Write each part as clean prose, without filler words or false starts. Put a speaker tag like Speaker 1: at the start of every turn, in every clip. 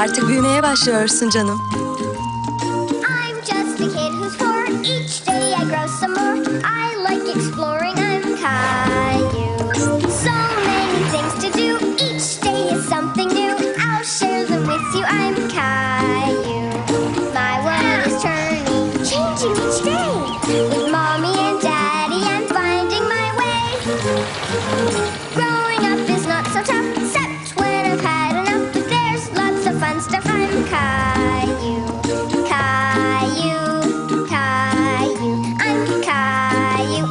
Speaker 1: Artık büyümeye başlıyorsun canım.
Speaker 2: I'm just a kid who's 4. Each day I grow some more. I like exploring. I'm Caillou. So many things to do. Each day is something new. I'll share them with you. I'm Caillou. My world is turning, changing each day. With mommy and daddy, I'm finding my way. Growing up is not so tough, except when I've had enough. There's lots of fun stuff. I'm Caillou. Caillou, Caillou, I'm Caillou.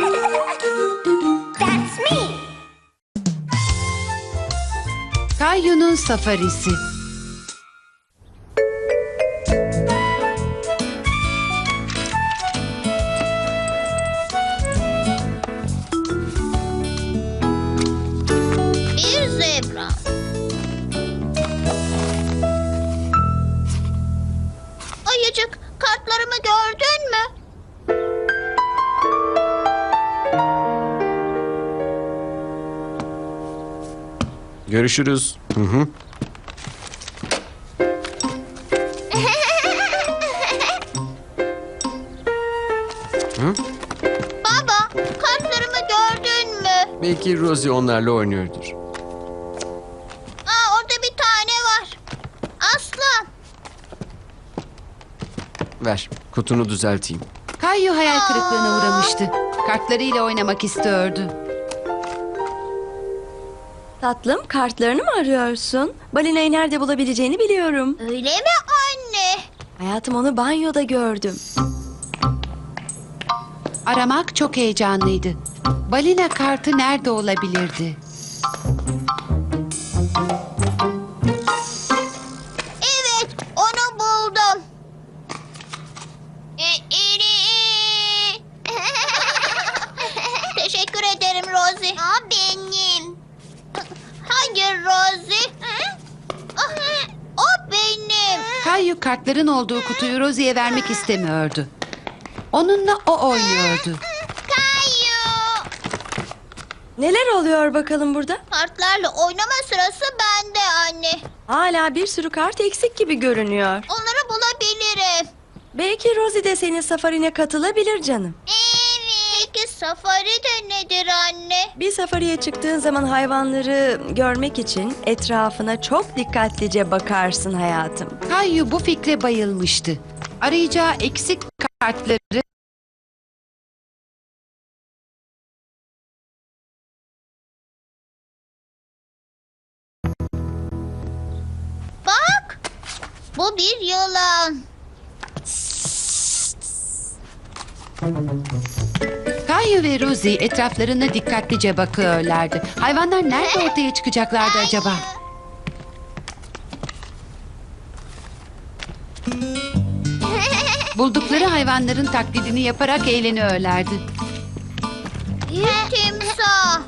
Speaker 2: That's me.
Speaker 3: Kayyu'nun safarisi.
Speaker 4: Bir zebra. Ayıcık, kartlarımı gördün mü?
Speaker 5: Görüşürüz. Hı hı.
Speaker 4: Baba, kartlarımı gördün mü?
Speaker 5: Belki Rosie onlarla oynuyordur.
Speaker 4: Orada bir tane var. Aslan.
Speaker 5: Ver, kutunu düzelteyim.
Speaker 3: Kayyu hayal kırıklığına uğramıştı. Kartlarıyla oynamak istiyordu.
Speaker 1: Tatlım, kartlarını mı arıyorsun? Balinayı nerede bulabileceğini biliyorum.
Speaker 4: Öyle mi anne?
Speaker 1: Hayatım, onu banyoda gördüm.
Speaker 3: Aramak çok heyecanlıydı. Balina kartı nerede olabilirdi?
Speaker 4: Evet, onu buldum. Teşekkür ederim Rosie. Benim. Hangi Rosie? O benim.
Speaker 3: Kayyu kartların olduğu kutuyu Rosie'ye vermek istemiyordu. Onunla o oynuyordu.
Speaker 4: Kayu.
Speaker 1: Neler oluyor bakalım burada?
Speaker 4: Kartlarla oynama sırası bende anne.
Speaker 1: Hala bir sürü kart eksik gibi görünüyor.
Speaker 4: Onları bulabilirim.
Speaker 1: Belki Rosie de senin safarine katılabilir canım.
Speaker 4: Evet. Peki safari de nedir anne?
Speaker 1: Bir safariye çıktığın zaman hayvanları görmek için etrafına çok dikkatlice bakarsın hayatım.
Speaker 3: Kayyu bu fikre bayılmıştı. Arayacağı eksik kartları
Speaker 4: Bak. Bu bir yılan.
Speaker 3: Kayyu ve Rosie etraflarına dikkatlice bakıyorlardı. Hayvanlar nerede ortaya çıkacaklardı acaba? Buldukları hayvanların taklidini yaparak eğleniyorlardı.
Speaker 4: Bir timsah.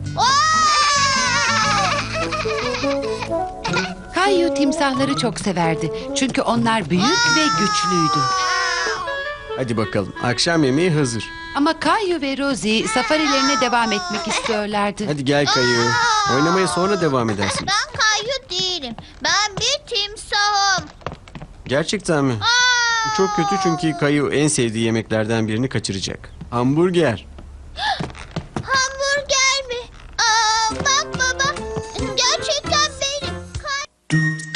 Speaker 3: Kayyu timsahları çok severdi. Çünkü onlar büyük ve güçlüydü.
Speaker 5: Hadi bakalım, akşam yemeği hazır.
Speaker 3: Ama Kayyu ve Rosie safarilerine devam etmek istiyorlardı.
Speaker 5: Hadi gel Kayu. Oynamaya sonra devam edersin.
Speaker 4: Ben Kayu değilim. Ben bir timsahım.
Speaker 5: Gerçekten mi? Bu çok kötü çünkü Kayu en sevdiği yemeklerden birini kaçıracak. Hamburger.
Speaker 4: Hamburger mi? Bak baba. Gerçekten benim.